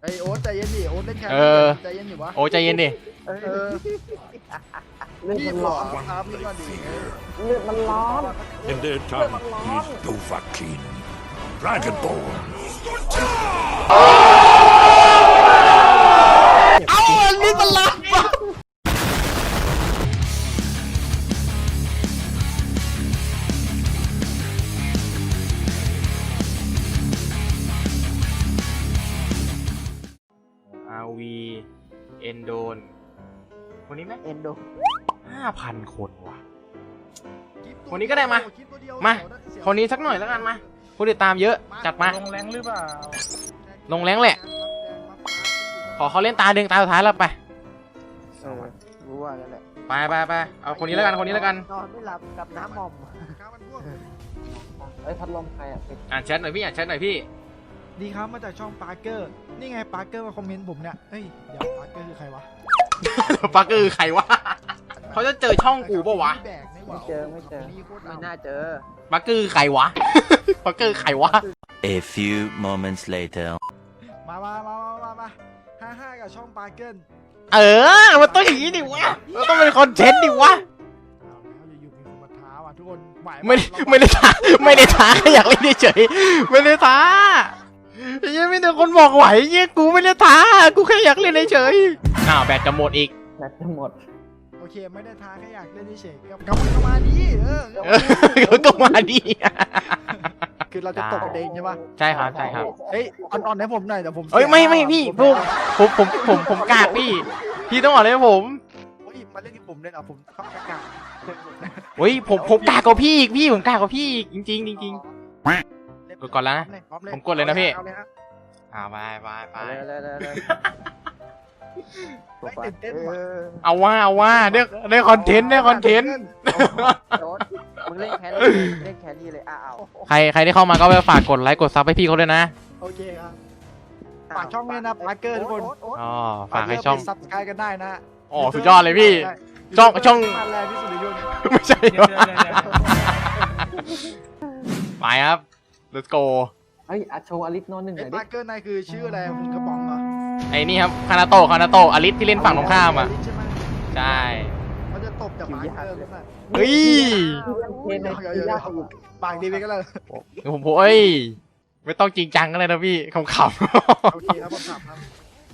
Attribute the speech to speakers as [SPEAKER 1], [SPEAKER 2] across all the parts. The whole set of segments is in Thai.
[SPEAKER 1] ไอโอ๊ตใจเย็นดิโอ๊ตเล่นแค่ใจเย็นอยู่วะ
[SPEAKER 2] โอ้ใจเย็นดิ
[SPEAKER 3] เรื่อง
[SPEAKER 1] พี่
[SPEAKER 3] มัน
[SPEAKER 1] บ
[SPEAKER 3] ร้
[SPEAKER 1] อ
[SPEAKER 3] อก น
[SPEAKER 1] ครับนี่ก็ดี
[SPEAKER 3] เรื่องมันร้อน
[SPEAKER 4] In their tongue, he's Dovahkiin, Dragonborn.
[SPEAKER 1] เอาอันนี้มันลับวะ
[SPEAKER 2] อาวีเอนโดนคนนี้ไหม
[SPEAKER 3] เอ็นโด
[SPEAKER 2] 5,000 คนว่ะ คนนี้ก็ได้มาคนนี้สักหน่อยแล้วกันมาผู้ติดตามเยอะจัดมา
[SPEAKER 1] ลงแรงหรือเปล่า
[SPEAKER 2] ลงแรงแหละ ขอเขาเล่นตาดึงตาสุดท้ายแล้วไป
[SPEAKER 3] รู้ว่าแล้วแหละ
[SPEAKER 2] ไปเอาคนนี้แล้วกันคนนี้แล้วกัน
[SPEAKER 3] นอนไม่หลับกับน้ำหม่อมไอ้พัดลมใครอ่ะ
[SPEAKER 2] อ่านแชทหน่อยพี่อ่านแชทหน่อยพี่
[SPEAKER 1] ดีครับมาจากช่องปาร์เกอร์นี่ไงปาร์เกอร์มาคอมเมนต์ผมเนี่ยเฮ้ยเดี๋ยวปาร์เกอร์คือใครวะ
[SPEAKER 2] ปักคือใครวะเขาจะเจอช่องกูปะวะ
[SPEAKER 3] ไม่เจอไม่น่าเจอ
[SPEAKER 2] ปักคือใครวะ ปักคือใครวะ
[SPEAKER 5] A few moments later.
[SPEAKER 1] มา55กับช่องปาร์เกอร์
[SPEAKER 2] มันต้องอย่างนี้ดิวะมันต้องเป็นคอนเทนต์ดิวะ
[SPEAKER 1] เอาแล้วอยู่ๆมีคนมาท้าว่ะทุกคนหมาย
[SPEAKER 2] ไม่ได้ท้าแค่อยากเล่นเฉยไม่ได้ท้ายังไม่มีคนบอกไหวเนี่ยกูไม่ได้ท้ากูแค่อยากเล่นเฉยอ้าวแบตจะหมดอีก
[SPEAKER 3] แบตจะหมด
[SPEAKER 1] โอเคไม่ได้ท้าแค่อยากเล่นเฉยๆกับมาดี
[SPEAKER 2] ก็มาดิ
[SPEAKER 1] คือเราจะตกเองใช่ปะ
[SPEAKER 2] ใช่ครับ
[SPEAKER 1] เฮ้ยอ่อนๆให้ผมหน่อยเดี๋ยวผม
[SPEAKER 2] เอ้ยไม่พี่ผมกากพี่ต้องอ่อนให้ผม
[SPEAKER 1] เฮ้ยมาเล่นที่ผมเล่นเอาผมเข้ากาก
[SPEAKER 2] เฮ้ยผมกากกว่าพี่อีกพี่ผมกากกว่าพี่อีกจริงกดก่อนแล้วนะผมกดเลยนะพี่ไป
[SPEAKER 3] เลย
[SPEAKER 1] ไม่ตื่นเต้นว่ะ
[SPEAKER 2] เอาว่าได้คอนเทนต์
[SPEAKER 3] มึงเล่นแค่นี้เลยอ้าว
[SPEAKER 2] ใครที่เข้ามาก็ไปฝากกดไลค์กดซับให้พี่เขาด้วยนะ
[SPEAKER 1] โอเคครับฝากช่องด้วยนะปาร์เกอร์ทุกคน
[SPEAKER 2] อ๋อฝากให้ช่อง
[SPEAKER 1] ซับสไครต์กันได้นะ
[SPEAKER 2] อ๋อสุดยอดเลยพี่ช่อง
[SPEAKER 1] มันแรงที่สุดในยุคนี้
[SPEAKER 2] ไม่ใช่ไปครับ let's go
[SPEAKER 3] เฮ้ยโชว์อลิสโนหนึ่งห
[SPEAKER 1] ไอ้
[SPEAKER 3] น่อยดิ
[SPEAKER 1] ปาร์เกอร์นายคือชื่ออะไรคุณกระป๋องเหรอ
[SPEAKER 2] ไอ้นี่ครับคานาโตะอลิสที่เล่นฝั่งตรงข้ามอ่ะ
[SPEAKER 1] ใช่ไหม
[SPEAKER 2] ใช่
[SPEAKER 1] เขาจะตบจากปาร์เกอร์หรือเปล่า
[SPEAKER 2] เฮ้ย
[SPEAKER 3] เทนในทียากอีก
[SPEAKER 1] ปากดีไปก็แล้ว
[SPEAKER 2] ผมเอ้ยไม่ต้องจริงจังกันเลยนะพี่ขำ
[SPEAKER 1] โอเคครับผมขับครับ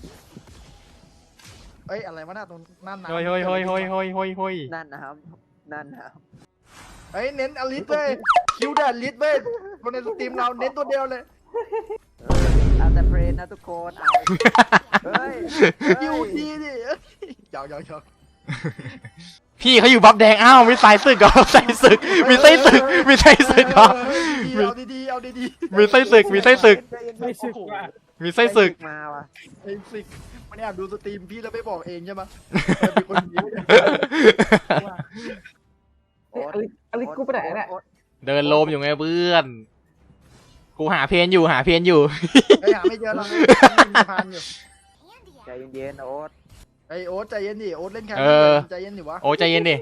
[SPEAKER 1] เอ้ยอะไรวะหน้าตรงนั่นนะ
[SPEAKER 2] ๆเฮ้ย
[SPEAKER 3] นั่นนะครับ
[SPEAKER 1] เฮ้ยเน้นอลิสเลยคิวแดดลิสเว้ยคนในสตรีมเราเน้นตัวเดียวเลย
[SPEAKER 3] เอาแต่เพลนนะทุกคนเอาเฮ้ย
[SPEAKER 1] คิวดีดิหยอก
[SPEAKER 2] พี่เขาอยู่บัฟแดงอ้าวมีสายศึกเหรอมีไส้ศึกเหรอ
[SPEAKER 1] เอาดี
[SPEAKER 2] มีไส้ศึกมีไส้ศึก
[SPEAKER 3] มาว่ะ
[SPEAKER 1] ไอ้สิมันแอบดูสตรีมพี่แล้วไม่บอกเองใช่ไหมเป็นคนดี
[SPEAKER 3] อลิสกูไปไหนเนี่ย
[SPEAKER 2] เดินโลมอยู่ไงเพื่อนกูหาเพนอยู่
[SPEAKER 1] ไอ้หาไม่เจอเราผ่านอยู่
[SPEAKER 3] ใจเย็นๆโอ๊ต
[SPEAKER 1] ไอโอ๊ตใจเย็นดิโอ๊ตเล่นแค่ใจเย็นดิวะ
[SPEAKER 2] โอ้ใจเย็นดิ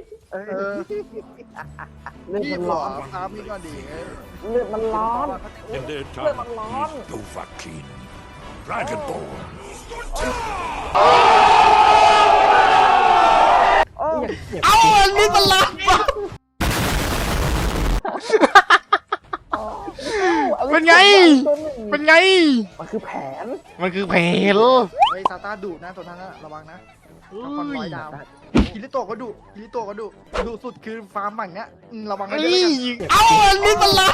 [SPEAKER 3] เรื่อง
[SPEAKER 1] พี่
[SPEAKER 3] มัน
[SPEAKER 1] บ
[SPEAKER 3] ร้
[SPEAKER 1] อ
[SPEAKER 3] อก น
[SPEAKER 1] ครับนี่ก็ดี
[SPEAKER 3] เรื่องมันร้อน
[SPEAKER 4] In their tongue, he's Dovahkiin, Dragonborn.
[SPEAKER 3] โอ้
[SPEAKER 2] เอาอันนี้มันลับเป็นไง
[SPEAKER 3] มันคือแผน
[SPEAKER 2] มันคือเพล
[SPEAKER 1] ไอ้ซาต้าดุนะตัวนั้นระวังนะคอนร้อยดาวคิริโตะก็ดุดุสุดคือฟาร์มใหม่เนี้ยระวังให้ด้วย
[SPEAKER 2] เอาอันนี้มันลับ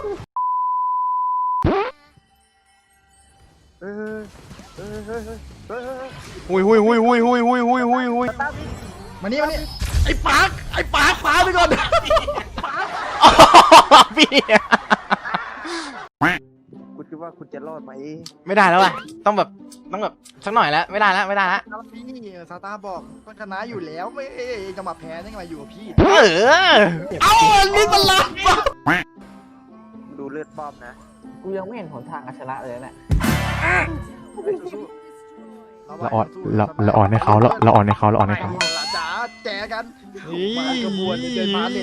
[SPEAKER 2] หุย
[SPEAKER 1] มานี่ไอ้ปากฟ้าไปก่อน
[SPEAKER 2] พี่
[SPEAKER 3] คุณคิดว่าคุณจะรอดไหม
[SPEAKER 2] ไม่ได้แล้วว่ะต้องแบบสักหน่อยแล้วไม่ได้แล้ว
[SPEAKER 1] พี่ซาต้าบอกต้องชนะอยู่แล้วไม่จะมาแพ้ได้ไงมาอยู่กับพี่
[SPEAKER 2] เอาอันนี้มันลับ
[SPEAKER 3] ดูเลือดป้อมนะกูยังไม่เห็นหนทางชนะเลยเนี่ย
[SPEAKER 2] เราอ่อนให้เขา
[SPEAKER 1] จ๋าแจกันมากระบวนเดินมาเลย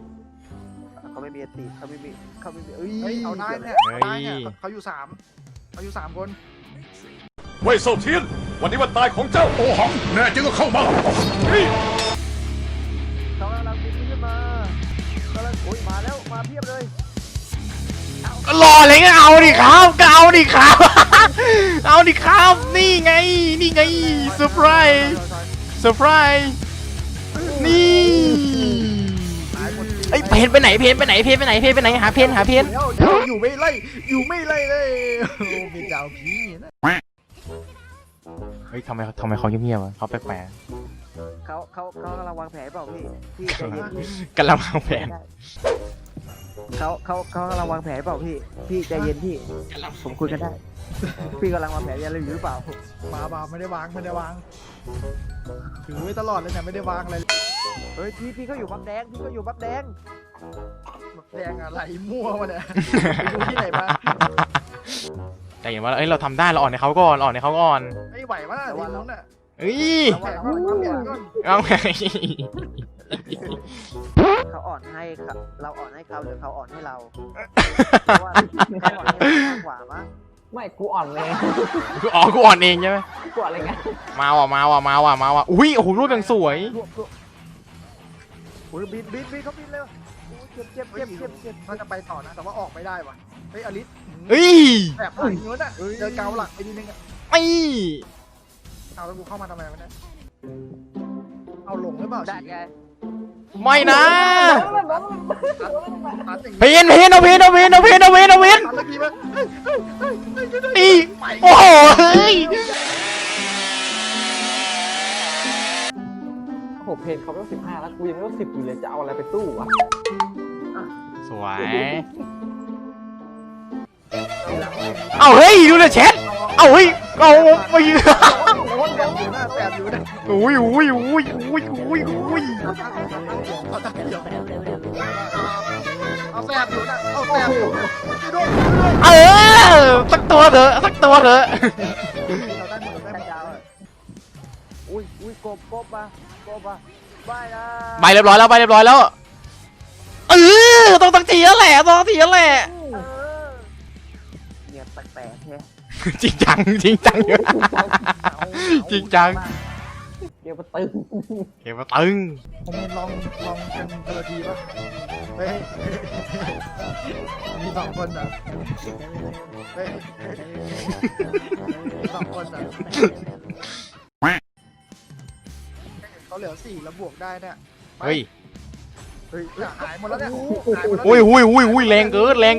[SPEAKER 1] เขาไม่มีเอ้ยเอาได้เนี่ยเขาอยู่3 เอาอยู่3 คน
[SPEAKER 4] เว่ยเซาเทียน วันนี้วันตายของเจ้าโอหัง แน่จริงก็เข้ามาเฮ้ย
[SPEAKER 3] เขากำลังบินขึ้นมากำลังโอ้ยมาแล้วมาเพียบเลย
[SPEAKER 2] รอเลยก็เอาดิครับก็เอาดิครับ เอาดิครับ นี่ไง นี่ไงเซอร์ไพรส์เซอร์ไพรส์นี่ไอ้ยเพนไปไหนเพนไปไหนเพนไปไหนเพนไปไหนหาเพนหาเพน
[SPEAKER 1] เดี๋ยวอยู่ไม่ไล่เลยโอ้มีเจ้าพี่นะ
[SPEAKER 2] เฮ้ยทำไมเขาเงียบๆวะเขาแปลก
[SPEAKER 3] เขากำลังวางแผนเปล่าพี่ใจเย็นพี่
[SPEAKER 2] ๆกำลังวางแผน
[SPEAKER 3] เขากำลังวางแผนเปล่าพี่ใจเย็นพี่ผมคุยกันได้ พี่กำลังวางแผนอะไรอยู่หรือเปล่า
[SPEAKER 1] มาไม่ได้วางถือไว้ตลอดเลยเนี่ยไม่ได้วางอะไร
[SPEAKER 3] เฮ้ยพี่ก็อยู่บักแดงพี่ก็อยู่บักแดง
[SPEAKER 1] แดงอะไรมั่วมาเนี่ยไปดูที่ไหนมา
[SPEAKER 2] แต่เห็นว่าเอ้ยเราทำได้เราอ่อนในเขาก่อนอ่อนในเขาก่อน
[SPEAKER 1] ไม่ไหวมากทีมนู้นน่ะ
[SPEAKER 2] เอ้ย
[SPEAKER 1] แข่งมาเปลี่ยนก่อน
[SPEAKER 2] เอาไง
[SPEAKER 3] เขาอ่อนให้ครับเราอ่อนให้เขาหรือเขาอ่อนให้เราเพราะว่าเขาอ่อนให้เรามากกว่ามั้ง
[SPEAKER 6] ไม่กูอ่อนเลย
[SPEAKER 2] อ๋อกูอ่อนเองใช่ไหม
[SPEAKER 6] กูอ่อนอะไรเงี้ย
[SPEAKER 2] มาว่ะอุ้ยโอ้โหรูปยังสวย
[SPEAKER 3] โอ้ยบินเขาบินเร็วโอ้ยเจ็บ
[SPEAKER 1] น่าจะไปต่อนะแต่ว่าออกไม่ได้ว่ะเฮ้ยอลิส
[SPEAKER 2] เฮ้ย
[SPEAKER 1] แบบหลังนู้นน่ะเจอเกาหลักไปนิดนึงอ่ะ
[SPEAKER 2] ไอ้
[SPEAKER 1] เอาแล้วกูเข้ามาทำไมวะเนี่ยเอาลงหรือเปล่า
[SPEAKER 3] ได้ไง
[SPEAKER 2] ไม่นะ
[SPEAKER 1] ตัดอย่าง
[SPEAKER 2] เพนเอาเพน
[SPEAKER 1] ตัดเมื่อกี้มั้ย
[SPEAKER 2] อีโอ้โหเฮ้ย
[SPEAKER 6] โอ้โหเพนเขาไม่ต้อง15แล้วกูยังไม่ต้อง10อยู่เลยจะเอาอะไรไปสู้วะ
[SPEAKER 2] สวยเอาเฮ้ยดูเลยแชทเอาเฮ้ยเอาไปยืน
[SPEAKER 1] แสบอยู่นะ
[SPEAKER 2] อุ้ย
[SPEAKER 1] เอาแสบอยู่นะเอาแสบอยู่ช่วยด้วย
[SPEAKER 2] เออสักตัวเถอะ
[SPEAKER 1] เราได้หมดได้หมด
[SPEAKER 3] ยาวๆอะอุ้ยกบมาไม่นะ
[SPEAKER 2] ใบเรียบร้อยแล้วเออต้องทีแล้วแหละ
[SPEAKER 3] เออเนี่ยแปลกๆแค่
[SPEAKER 2] จริงจัง
[SPEAKER 6] จริงจังเดี๋ยวมาตึง
[SPEAKER 2] เกมมาตึง
[SPEAKER 1] ผมเห็นลองกันเทอทีป่ะเฮ้ยมี2 คนอ่ะเฮ้ยมี2 คนอ่ะเขาเหลือ4แล้วบวกได้เนี่ย
[SPEAKER 2] เฮ้ย
[SPEAKER 1] หายหมดแล้วเนี่ยหายหมดแล้ว
[SPEAKER 2] อุ้ยแรงเกิน
[SPEAKER 1] ปล่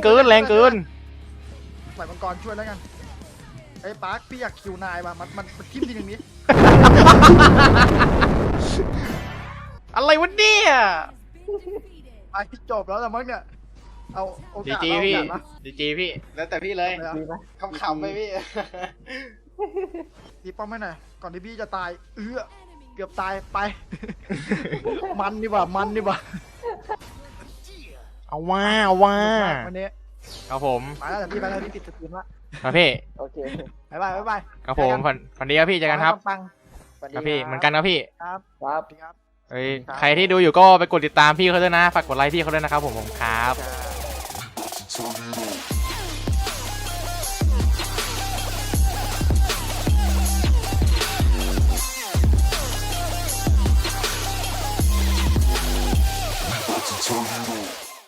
[SPEAKER 1] อยมังกรช่วยแล้วกันไอ้ปาร์คพี่อยากคิวนายว่ะมันทิ่มทีนึงนี้
[SPEAKER 2] อะไรวะเนี่ย
[SPEAKER 1] ไปพี่จบแล้วแต่มั้งเนี่ยเอาโอกาส
[SPEAKER 2] จี
[SPEAKER 1] เอาโอ
[SPEAKER 2] พี่
[SPEAKER 1] กาสนะ
[SPEAKER 2] จีพี่แล้วแต่พี่เลย
[SPEAKER 6] ดีไหม
[SPEAKER 2] ขำๆไปพี่
[SPEAKER 1] ตีป้อมให้หน่อยก่อนที่พี่จะตายเกือบตายไป มันดีกว่า
[SPEAKER 2] เอาว่า
[SPEAKER 1] วันนี้
[SPEAKER 2] ครับผม
[SPEAKER 1] ไปแล้วแต่พี่ไปแล้วพี่ปิดสตรีมละ
[SPEAKER 2] ครับพี่
[SPEAKER 3] โอเค
[SPEAKER 1] บ๊ายบาย
[SPEAKER 2] ครับผมฝันดีครับพี่เจอกันครับ
[SPEAKER 1] ปัง
[SPEAKER 2] ครับพี่เหมือนกันครับพี่
[SPEAKER 1] ครับ
[SPEAKER 6] ครับ
[SPEAKER 1] ครับ
[SPEAKER 2] เอ้ยใครที่ดูอยู่ก็ไปกดติดตามพี่เขาด้วยนะฝากกดไลค์พี่เขาด้วยนะครับผมครับ
[SPEAKER 1] ครับ